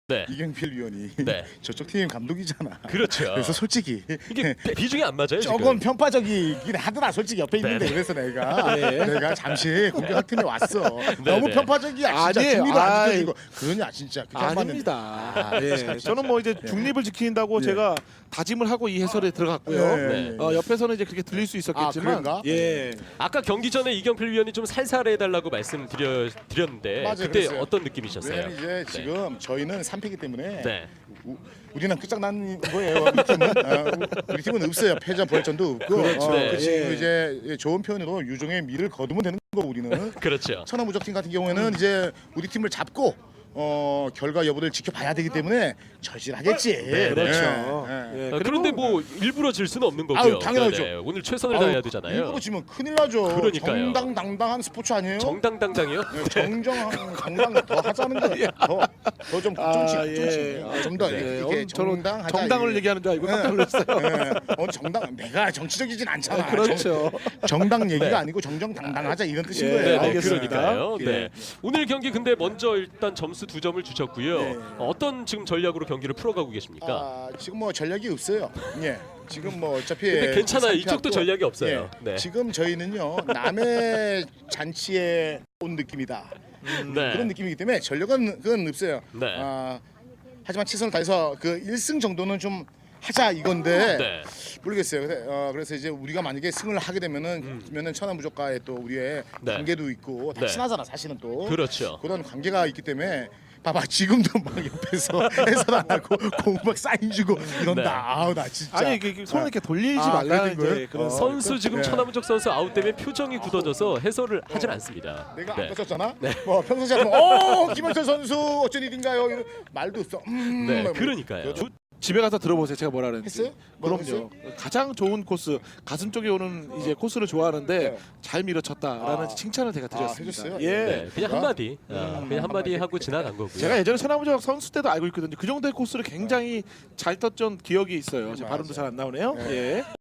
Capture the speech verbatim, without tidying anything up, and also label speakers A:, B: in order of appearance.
A: 네.
B: 이경필 위원이
A: 네.
B: 저쪽 팀 감독이잖아.
A: 그렇죠.
B: 그래서 솔직히
A: 이게 비- 비중이 안 맞아요.
B: 조금
A: 지금.
B: 편파적이긴 하더라. 솔직히 옆에 있는데
A: 네네.
B: 그래서 내가
C: 네.
B: 내가 잠시 공격학 팀에 왔어. 너무
A: 네네.
B: 편파적이야. 진짜
C: 아니에요.
B: 중립을 안
C: 아이.
B: 지켜주고 그러냐 진짜. 그게 안 맞는데.
C: 아닙니다.
B: 아,
C: 예.
B: 참,
C: 저는 뭐 이제 중립을 지킨다고
B: 예.
C: 제가 다짐을 하고 이 해설에 들어갔고요.
B: 네.
C: 어, 옆에서는 이제 그렇게 들릴 수 있었겠지만,
B: 아, 그런가?
C: 예.
A: 아까 경기 전에 이경필 위원이 좀 살살해달라고 말씀드렸는데
B: 맞아요,
A: 그때
B: 그랬어요.
A: 어떤 느낌이셨어요?
B: 왜냐면 이제 지금 저희는 삼 패기 때문에
A: 네.
B: 우, 우리는 끝장난 거예요. 우리 팀은 어, 우- 우리 팀은 없어요. 패전 부활전도 없고.
C: 그렇죠.
B: 어,
A: 네.
B: 그 지금
C: 예.
B: 이제 좋은 표현으로 유종의 미를 거두면 되는 거 우리는.
A: 그렇죠.
B: 천하무적팀 같은 경우에는 이제 우리 팀을 잡고 어, 결과 여부를 지켜봐야 되기 때문에 절실하겠지.
A: 네,
C: 그렇죠.
B: 예, 예.
C: 예.
A: 아,
C: 그리고
A: 그런데 뭐 일부러 질 수는 없는 거고요.
B: 아유, 당연하죠.
A: 네, 네. 오늘 최선을
B: 아우,
A: 다해야 되잖아요.
B: 일부러 지면 큰일 나죠.
A: 그러니까요.
B: 정당당당한 스포츠 아니에요?
A: 정당당당이요?
B: 예, 정정 정당 더 하자는 거예요. 더더좀
C: 아,
B: 좀씩
C: 예.
B: 좀씩 좀더
C: 네,
B: 이렇게
C: 오늘 저는
B: 정당하자.
C: 정당을 얘기하는 줄 알고 깜짝 놀랐어요.
B: 예, 어, 정당 내가 정치적이진 않잖아.
C: 아, 그렇죠.
B: 정, 당 얘기가
A: 네.
B: 아니고 정정당당하자 이런 뜻인
C: 예,
B: 거예요.
A: 네, 네,
C: 알겠습니다.
A: 그러니까요.
B: 예.
A: 네. 오늘 경기 근데 먼저 일단 점수 두 점을 주셨고요.
B: 네.
A: 어떤 지금 전략으로 경기를 풀어가고 계십니까?
B: 아, 지금 뭐 전략이 없어요. 예. 지금 뭐 어차피
A: 근데 괜찮아요.
B: 삼
A: 이쪽도
B: 패하고,
A: 전략이 없어요.
B: 예,
A: 네.
B: 지금 저희는요 남의 잔치에 온 느낌이다.
A: 네.
B: 그런 느낌이기 때문에 전력은 그건 없어요.
A: 네.
B: 아, 하지만 최선을 다해서 그 일 승 정도는 좀 하자 이건데
A: 네.
B: 모르겠어요. 그래, 어, 그래서 이제 우리가 만약에 승을 하게 되면은 그러면은 천하무적과의 또 우리의
A: 네.
B: 관계도 있고 다
A: 네.
B: 친하잖아 사실은 또
A: 그렇죠.
B: 그런 관계가 있기 때문에 봐봐 지금도 막 옆에서 해설 안 하고 공 막 사인 주고 이런다.
A: 네.
B: 아우 나 진짜
C: 아니 이게 이게 손을 이렇게 돌리지
B: 아,
C: 말라는
B: 그런 거예요?
C: 이제 그런
B: 어.
A: 선수 지금
B: 네.
A: 천하무적 선수 아웃 때문에 표정이 굳어져서 해설을 하질 않습니다.
B: 내가
A: 네.
B: 안 떴었잖아. 뭐 평소처럼 어 김현철 선수 어쩐 일인가요? 이런 말도 없어. 음,
A: 네,
B: 뭐,
A: 그러니까요.
B: 저-
C: 집에 가서 들어보세요. 제가 뭐라 그랬는지.
B: 했어요? 뭐라고
C: 그럼요. 가장 좋은 코스, 가슴 쪽에 오는 이제 코스를 좋아하는데
B: 네.
C: 잘 밀어쳤다라는
B: 아.
C: 칭찬을 제가
B: 아,
C: 드렸습니다.
B: 해줬어요?
C: 예.
A: 네, 그냥
B: 어?
A: 한마디, 아,
B: 음,
A: 그냥 한마디
B: 한마디.
A: 하고 지나간 거고요.
C: 제가 예전에 천하무적 선수 때도 알고 있거든요. 그 정도의 코스를 굉장히 잘 떴던 기억이 있어요. 제
B: 맞아.
C: 발음도 잘 안 나오네요.
B: 네.
C: 예.